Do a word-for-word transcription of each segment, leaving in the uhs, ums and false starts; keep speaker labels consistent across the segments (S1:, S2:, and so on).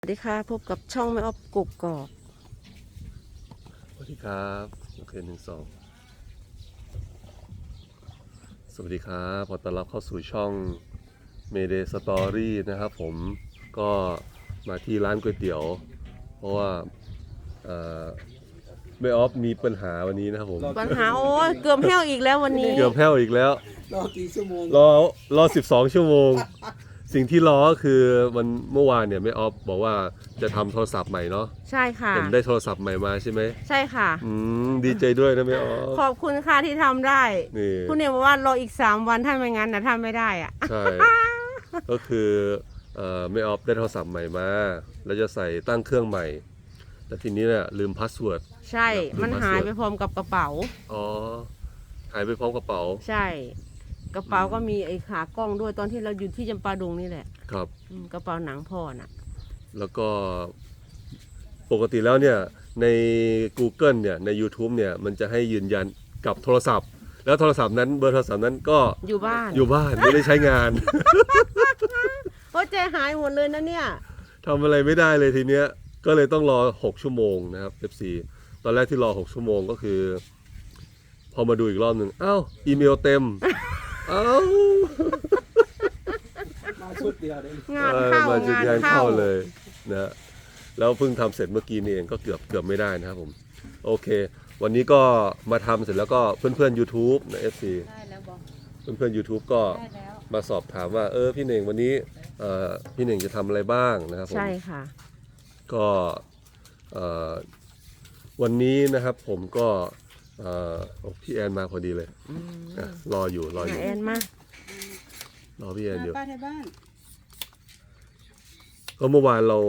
S1: สวัสดีค่ะพบกับช่องแม่ออฟกุกกอก
S2: สวัสดีครับโอเคหนึ่งสองสวัสดีครับขอต้อนรับเข้าสู่ช่อง Mayday Story นะครับผมก็มาที่ร้านก๋วยเตี๋ยวเพราะว่าแม่ออฟมีปัญหาวันนี้นะครับผม
S1: ปัญหาโอ้ยเกือบแห้วอีกแล้ววันนี้
S2: เกือบแห้วอีกแล้ว
S3: รอกี่ชั่วโมง
S2: รอรอสิบสองชั่วโมงสิ่งที่รอก็คือมันเมื่อวานเนี่ยแม่ออฟบอกว่าจะทำโทรศัพท์ใหม่เนาะ
S1: ใช่ค่ะ
S2: เห็นได้โทรศัพท์ใหม่มาใช่ไหม
S1: ใช่ค่ะ
S2: อืมดีใจด้วยนะแม่ออฟ
S1: ขอบคุณค่ะที่ทำได้
S2: นี่
S1: คุณเนี่ยบอกว่ารออีกสามวันถ้าไม่งั้นนะทำไม่ได้อ่ะ
S2: ใช่ก็คือเอ่อแม่ออฟได้โทรศัพท์ใหม่มาแล้วจะใส่ตั้งเครื่องใหม่แต่ทีนี้เนี่ยลืมพาสเวิร์ด
S1: ใช่มันหายไปพร้อมกับกระเป๋า
S2: อ๋อหายไปพร้อมกระเป๋า
S1: ใช่กระเป๋าก็มีไอ้ขากล้องด้วยตอนที่เราอยู่ที่จำปาดงนี่แหละ
S2: ครับ
S1: กระเป๋าหนังพ่อน่ะ
S2: แล้วก็ปกติแล้วเนี่ยใน Google เนี่ยใน YouTube เนี่ยมันจะให้ยืนยันกับโทรศัพท์แล้วโทรศัพท์นั้นเบอร์โทรศัพท์นั้นก็
S1: อยู่บ้าน
S2: อยู่บ้านไม่ได้ใช้งาน
S1: โอ้ใจหายหมดเลยนะเนี่ย
S2: ทำอะไรไม่ได้เลยทีเนี้ยก็เลยต้องรอหกชั่วโมงนะครับ เอฟ ซี ตอนแรกที่รอหกชั่วโมงก็คือพอมาดูอีกรอบหนึ่งอ้าวอีเมลเต็มอ้าว
S3: มาชุดเดียวเลย
S1: งานเข้างานเข้า
S2: เลยนะแล้วเพิ่งทำเสร็จเมื่อกี้นี่เองก็เกือบเกือบไม่ได้นะครับผมโอเควันนี้ก็มาทำเสร็จแล้วก็เพื่อนๆ YouTube นะ เอฟ ซี
S1: ได้แล้วบอก
S2: เพื่อนๆ YouTube ก็มาสอบถามว่าเออพี่เน่งวันนี้เอ่อพี่เน่งจะทำอะไรบ้างนะครับผม
S1: ใช่ค่ะ
S2: ก็วันนี้นะครับผมก็พี่แอนมาพอดีเลยรออยู่รออยู่
S1: แอนมาร
S2: อพี่แอนอยู่
S4: ป้าที่บ้าน
S2: ก็เมื่อวานเรา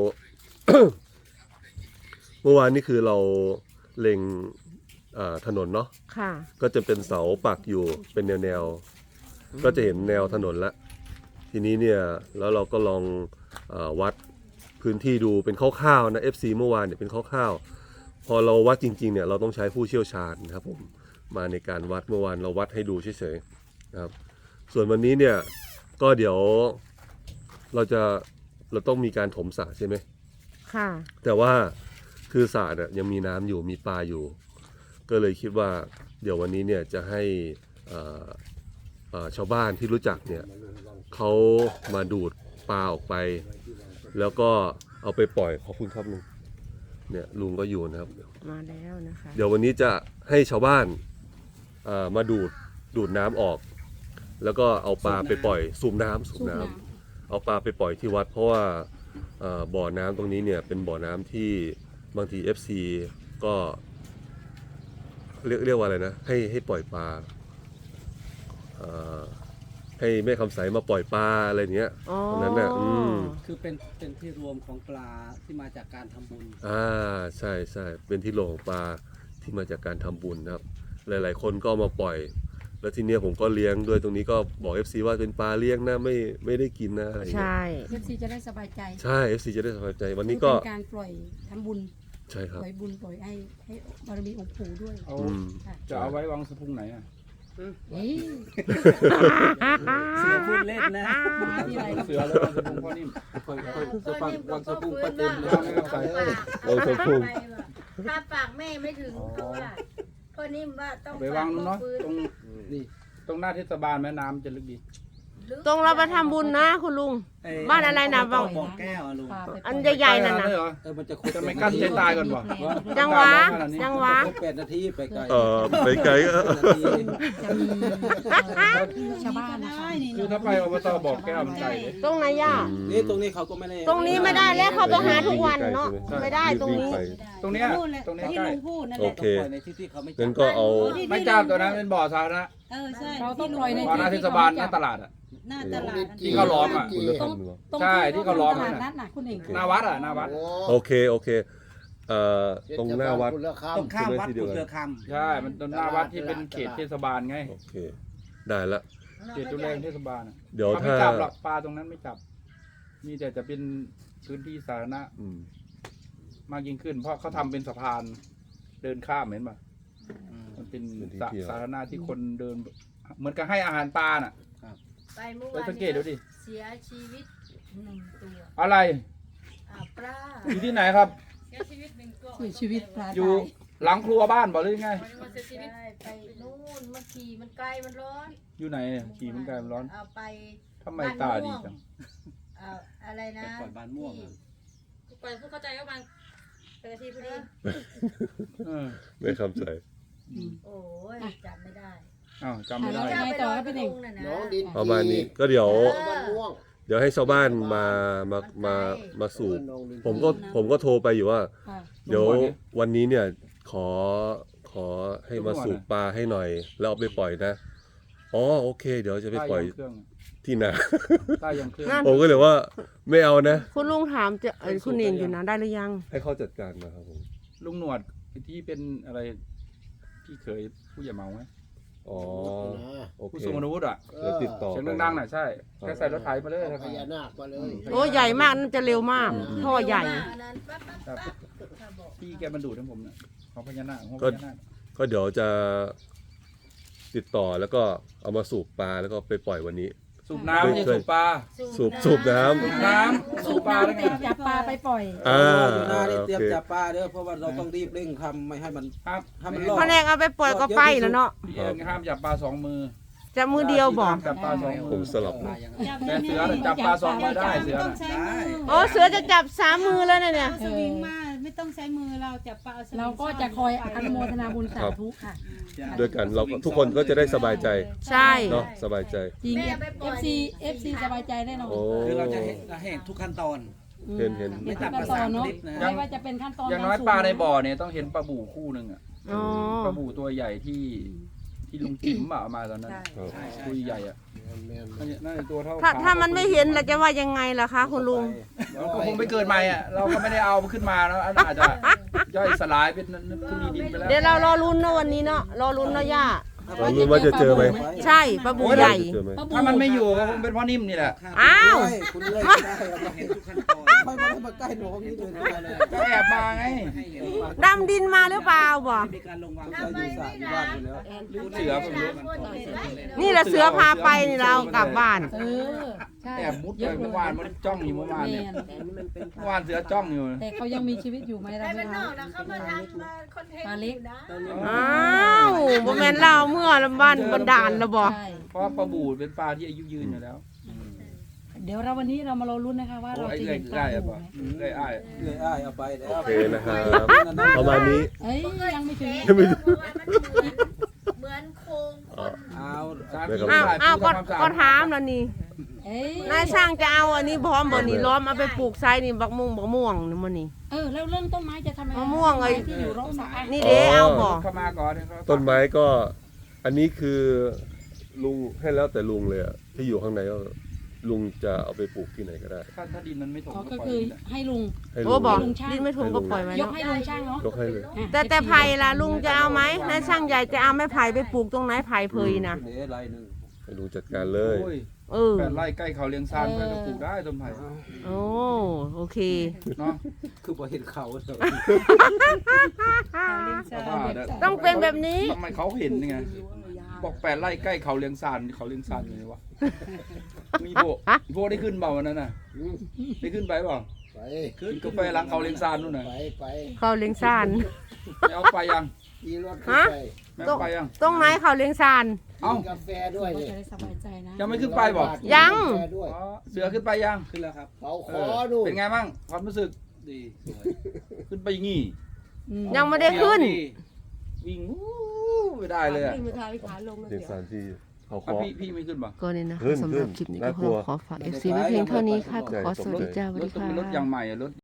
S2: เมื่อวานนี่คือเราเล็งถนนเนาะก็จะเป็นเสาปักอยู่เป็นแนวๆก็จะเห็นแนวถนนละทีนี้เนี่ยแล้วเราก็ลองวัดพื้นที่ดูเป็นคร่าวๆนะ เอฟ ซี เมื่อวานเนี่ยเป็นคร่าวๆพอเราวัดจริงๆเนี่ยเราต้องใช้ผู้เชี่ยวชาญนะครับผมมาในการวัดเมื่อวานเราวัดให้ดูเฉยๆนะครับส่วนวันนี้เนี่ยก็เดี๋ยวเราจะเราต้องมีการถมสระใช่ไหม
S1: ค่ะ
S2: แต่ว่าคือสระเนี่ยยังมีน้ำอยู่มีปลาอยู่ก็เลยคิดว่าเดี๋ยววันนี้เนี่ยจะให้ชาวบ้านที่รู้จักเนี่ยเขามาดูดปลาออกไปแล้วก็เอาไปปล่อยขอบคุณครับลุงเนี่ยลุงก็อยู่นะครับ
S1: มาแล้วนะคะ
S2: เดี๋ยววันนี้จะให้ชาวบ้านมาดูดดูดน้ำออกแล้วก็เอาปลาไปปล่อยสูบน้ำสูบน้ำเอาปลาไปปล่อยที่วัดเพราะว่าบ่อน้ำตรงนี้เนี่ยเป็นบ่อน้ำที่บางที เอฟ ซี ก็เรียกเรียกว่าอะไรนะให้ให้ปล่อยปลาให้แม่คำใสมาปล่อยปลาอะไรเนี้ยตรงนั้นน่ะอืม
S3: คือเป็นเป็นที่รวมของปลาที่มาจากการทำบุญ
S2: อ่าใช่ใช่เป็นที่รวมของปลาที่มาจากการทำบุญนะครับหลายๆคนก็มาปล่อยแล้วทีเนี้ยผมก็เลี้ยงด้วยตรงนี้ก็บอก เอฟ ซี ว่าเป็นปลาเลี้ยงนะไม่ไม่ได้กินนะอะไรเงี้ย
S1: ใช่
S4: เอฟ ซี จะได้สบายใจ
S2: ใช่ เอฟ ซี จะได้สบายใจวันนี้ก็
S4: เป็นการปล่อยทำบุญ
S2: ใช่ครับ
S4: ปล่อยบุญปล่อยให้ให้บารมีองค์ปู่ด้วย
S3: จะเอาไว้วางสะพุงไหนอ่ะ
S4: เสือพูดเล่นนะ
S3: เสือแล้ววางสะพุงพ่อนิ่มจะฟังวางสะพุงก็เต็มแล้วไม่ต้องใส่
S2: วางสะพุง
S5: ถ้าปากแม่ไม่ถึงก็ว่าพ่อนิ่มว่าต้อง
S3: ไปวางนู้นเนาะตรงนี่ตรงหน้าเทศบาลแม่น้ำจะลึกดี
S1: ตรงเราไปทำบุญนะคุณลุงบ้านอะไรนะบ้างอันใหญ่ๆนั่นนะ
S3: เออมันจะจะไม่กั้นใจตายก่อนวะ
S1: จังหวะจังหวะ
S3: แปดนาทีไปไกล
S2: เออไปไกล
S4: ชาวบ้านนะคะ
S3: คือถ้าไปอบตบอกแก้วมันไกลเลย
S1: ตรงไหนย่า
S3: นี่ตรงนี้เขาก็ไม่ได้
S1: ตรงนี้ไม่ได้แล้วเขาไปหาทุกวันเนาะไม่ได้ตรงนี้
S3: ตรงนี้ตรงนี้ใกล้
S2: โอเค
S3: ในที่ที่เขาไม่
S2: งั้นก็เอา
S3: ไม่จับตัวนั้นเป็นบ่อสาธารณะ
S4: เออใช่เราต้องปล่อยใน
S3: บ่อหน้าเทศบาลหน้าตลาดอ่ะ
S4: หน้าตลาด
S3: ที่เขาล้อมอ่ะใช่ที่เขาล้อม
S4: อ่ะ
S3: หน้าวัดอ่ะหน้าวัด
S2: โอเคโอเคเอ่อตรงหน้าวัด
S3: ตรงข้ามวัดกุฎเรือคำใช่มันตรงหน้าวัดที่เป็นเขตเทศบาลไง
S2: โอเคได้ละ
S3: เขตดูแลเทศบาล
S2: เดี๋ยวถ้า
S3: ไม่จับหรอกปลาตรงนั้นไม่จับมีแต่จะเป็นพื้นที่สาธารณะมากยิ่งขึ้นเพราะเขาทำเป็นสะพานเดินข้ามเห็นป่ะมันเป็นสาธารณะที่คนเดินเหมือนกับให้อาหารปลาน่ะ
S5: ไปเมื่อวาน
S3: สังเกตดูดิ
S5: เสียชีวิตหนึ่งตัว
S3: อะไร
S5: ปลา
S3: อยู่ที่ไหนครับ
S4: เสียชีวิตปลา
S3: อยู่
S4: ตาย
S3: หลังครัวบ้านบอกหรือยังไง
S5: ได้ไปนู่นมันขี่มันไกลมันร้อน
S3: อยู่ไหนเนี่ยขี่มันไกลมันร้อน
S5: เอาไป
S3: ทำไมตาดีจัง
S5: เอาอะไรนะ
S4: ไปปล่อยบ้านม่วง
S5: ที่
S6: ปล่อยผู้เข้าใจว่าบาง
S5: เป็นอาทีพอดี
S3: เออ
S2: ไม่เข้าใจ
S5: โอ้ยจำไม่ได้
S3: อ้าวจำไม่ได้
S4: ยังไงต่อครับพี่เน่ง
S5: น้องดิน
S2: ประมาณนี้ก็เดี๋ยว
S5: บ้านม่วง
S2: เดี๋ยวให้ชาวบ้านมามามามาสูบผมก็ผมก็โทรไปอยู่ว่า
S4: ค่ะ
S2: เดี๋ยววันนี้เนี่ยขอขอให้มาสูบปลาให้หน่อย แล้วเอาไปปล่อยนะอ๋อโอเค เดี๋ยวจะไป
S3: ใต้
S2: ปล่อย
S3: ยังเครื่อง
S2: ที่นา
S3: ใต้ยังเครื่อง
S1: นั่น
S2: ผมก็เลยว่าไม่เอานะ
S1: คุณลุงถามจะเอ้ยคุณเองอยู่นะได้หรือยัง
S2: ให้เขาจัดการนะครับผม
S3: ลุงหนวดที่เป็นอะไรพี่เคยผู้ใหญ่เมาไหม
S2: อ๋อโอ
S3: ผู้
S2: เค
S3: ทรงอาวุธอ่ะ
S2: เดี๋ยวติดต่อ
S3: เสียงดังๆน่ะใช่แค่ใส่รถไถมาเลยครับ
S7: พญานาคมาเลย
S1: โอ้ใหญ่มากน่าจะเร็วมากท่อใหญ่
S5: อันนั้นปั๊บปั๊บปั๊บถ้าบอก
S3: พี่แกมันดูดให้ผมเนี่ยของพญานาคของพ
S2: ก็
S3: ญานาค
S2: ก็เดี๋ยวจะติดต่อแล้วก็เอามาสูบปลาแล้วก็ไปปล่อยวันนี้
S3: สูบน้ำไม่ใช่สูบปลา
S2: สูบสูบน้ำ
S3: สูบน้ำสูบปลาแล้วไง
S4: จับปลาไปปล่อย
S2: อ่า
S7: อยู่หน้านี่
S2: โอ
S7: เตรียม
S2: เค
S7: จับปลาเด้อเพราะว่าเราต้องรีบเร่งทำไม่ให้มัน
S3: ครับ
S7: ให้มันรอด
S1: พอแนกเอาไปปล่อยก็ไปแล้วเนาะ
S3: พี่เองห้ามจับปลาสองมือ
S1: จะมือเดียวบอก
S3: จับปลาสองมื
S2: ผม
S3: อ
S2: สลับนะ
S3: แต่เสือน่ะจับปลาสองมือได้เสือน่ะ
S1: โอ้เสือจะจับสามมือแล้วเนี่ย
S4: เอ
S8: ส
S4: อ
S8: วิงมาไม่ต้องใช้มือเราจับปลาอสวิง
S4: เราก็จะคอยอนุโมทนาบุญสาธุค่ะ
S2: ด้วยกันเราก็ทุกคนก็จะได้สบายใจ
S1: ใช่
S2: เนาะสบายใจ
S4: จริง เอฟ ซี เอฟ ซี สบายใจแน่นอน
S2: โอ้
S7: คือเราจะเห็นเห็นทุกขั้นตอน
S2: เห็นเห็น
S4: ไม่ต่ำกว่าสามคลิปนะไม่ว่าจะเป็นขั้นตอน
S3: อย่างน้อยปลาในบ่อเนี่ยต้องเห็นปลาบู่คู่หนึ่งอ่ะ
S1: อ๋อ
S3: ปลาบู่ตัวใหญ่ที่ที่ลุงจิ๋มเอามาตอนนั้น
S2: ครับ
S3: ตัวใหญ่อ่ะนั่นน่าจะตัวเท่า
S1: ถ้า
S3: ขา
S1: ถ้ามันไม่เห็นเราจะว่ายังไงล่ะคะคุณลุง
S3: เราก็คงไปเกิดใหม่อ่ะเราก็ไม่ได้เอาขึ้นมาแล้วอาจจะย่อยสลายเป็นทุลีดินไปแล้ว
S1: เดี๋ยวเรารอลุ้นเนาะวันนี้เนาะรอลุ้นเนาะย่า
S2: เรารู้ว่าจะเจอไหม
S1: ใช่ปลาบูใหญ่
S2: เจอไหม
S3: ถ้ามันไม่อยู่ก็คงเป็นเพ่อนิ่มนี่แหละ
S1: อ้าว
S7: คุณเล่นได้เราเห็นทุกขั้นตอนค่อยมามาใกล้หนูนี่เลยเลย
S3: ก็แอบมาไง
S1: ดำดินมาหรือเปล่าบ่
S7: มีการลงวางใจอยู่สระอยู่บ้านอยู่แล้ว
S3: เสือผมรู้
S1: นี่แหละเสือพาไปนี่เรากลับบ้าน
S4: เออ ใช่
S3: แอบมุดไปเมื่อวานมันจ้องอยู่เมื่อวาน
S4: แม
S3: เนี่ย
S4: น
S3: เมื่อวานเสือจ้องอยู่
S4: แต่เขายังมีชีวิตอยู่ไหมเรา
S5: ไป
S4: ไม่
S5: เป็นน
S4: รู้
S5: อกนะเขามาทำมาคอนเทนต์อยู่นะ
S1: อ้าวบ่แม่นเล่าเมื่อลำบ้านบนดานแล้วบ่
S4: ใช่
S3: เพราะว่าปลาบู่เป็นปลาที่อายุยืนอยู่แล้ว
S4: เดี๋ยวเราวันนี้เรามารอลุ้นนะคะว่า
S3: โอ้
S4: เรา
S3: ไอ้
S4: จะ
S3: เรื่อ
S4: เห็
S3: ย
S4: นป
S3: ได้
S4: ลา
S3: อะ
S4: บู
S3: ป่ะ
S4: ไหม
S3: เรื่อยอ้าย
S7: เลยอ้ายเอาไปแล้ว
S2: โอเคนะครับประมาณนี้
S4: เอ้ยยังไม่ถึง
S5: เพราะว่ามันเหมือนเหมือนโครงคน
S7: เอา
S1: อ้าวอ้าวก็ก็ถามแล้วนี่
S4: เอ้ย
S1: นายช่างจะเอาอันนี้พร้อมบ่นี่ล้อมเอาไปปลูกไซนี่บักม่วงบักม่วงนี่มื้อนี้
S4: เออแล้วเรื่องต้นไม้จะทำยังไง
S1: มะม่วงไอ้
S4: ที่อยู่ร่องสระ
S1: นี่เด้เอาบ่
S3: เข้ามาก่อนเขา
S2: ต้นไม้ก็อันนี้คือลุงให้แล้วแต่ลุงเลยอะที่อยู่ข้างในก็ลุงจะเอาไปปลูกที่ไหนก็ได้
S3: ถ้าถ้าดินมันไม่ถม
S4: อ๋อ
S3: ก็
S4: ก็
S3: ปล่อย
S4: คือ
S3: มันได้
S4: ให้ลุง
S2: ให้
S1: โอ้
S2: ลุง
S1: บ่
S4: ลุงช่าง
S1: ดินไม่ถุงก็ปล่อยไว้
S4: ยก
S1: เนาะ
S4: ให้ลุงช่างเนาะ
S2: ยกให้เลย
S4: อ่ะ
S1: แต่แต่ไผ่ล่ะลุงจะเอาไหมนายช่างใหญ่จะเอาไม้ไผ่ไปปลูกตรงไหนไผ่เพยนะ
S7: เดี๋ยวไรหนึ่ง
S2: ให้ลุงจัดการเลย
S3: โอ้ย
S1: เออ
S3: แปดไร่ใกล้เขาเลี้ยงซานเพื่อจะปลูกได้ต้นไผ่
S1: โอ้โอเค
S3: เนาะ
S7: คือพอเห็นเขาเลย
S3: เพราะว่าเดี๋ยว
S1: ต้องเป็นแบบนี้
S3: ทำไมเขาเห็นไงบอกแปดไร่ใกล้เขาเลี้ยงซานเขาเลี้ยงซานอยู่ไหนวะมีโบอีโบได้ขึ้นเปล่าวันนั้นน่ะได้ขึ้นไปเปล่า
S7: ไป
S3: ขึ้นกาแฟหลังเขาเลี้ยงซานนู่นน่ะ
S7: ไปไป
S1: เขาเลี้ยงซาน
S3: ไม่เอาไปยัง
S7: ขี่รถขึ้นไป
S3: ไม่เอาไปยัง
S1: ตรงไหนเขาเลี้ยงซาน
S3: เอ้า
S7: กินกาแฟด้วย
S4: ก็
S7: นี่
S4: จะได้สบายใจนะ
S3: ยังไม่ขึ้นไปบอก
S1: ยัง
S7: กินกาแฟด้วย
S3: อ๋อเสือขึ้นไปยัง
S7: ขึ้นแล้วครับเขาข
S3: เอ
S7: อ
S3: อ
S7: ดู
S3: เป็นไงบ้างความรู้สึก
S7: ดีสวย
S3: ขึ้นไปงี้
S4: อืม
S1: ยังไม่ได้ขึ้น
S3: วิ่งวู้ไม่ได้เลยอะ
S2: เด็กสารที่เขา
S3: อ่ะ
S2: เคาะ
S3: พี่พี่ไม่ขึ้นป่ะ
S1: ก็นี่นะ
S2: ขึ้น
S1: สำหรับคลิปนี้ก็
S2: น่ากลัว
S1: ขอฝาก เอฟ ซี ไว้เพียงเท่านี้ค่ะขอสวัสดีจ้าสวัส
S3: ร
S1: ดี
S3: ถต้อง
S1: ค่ะ
S3: เป็นรถอย่างใหม่อะรถ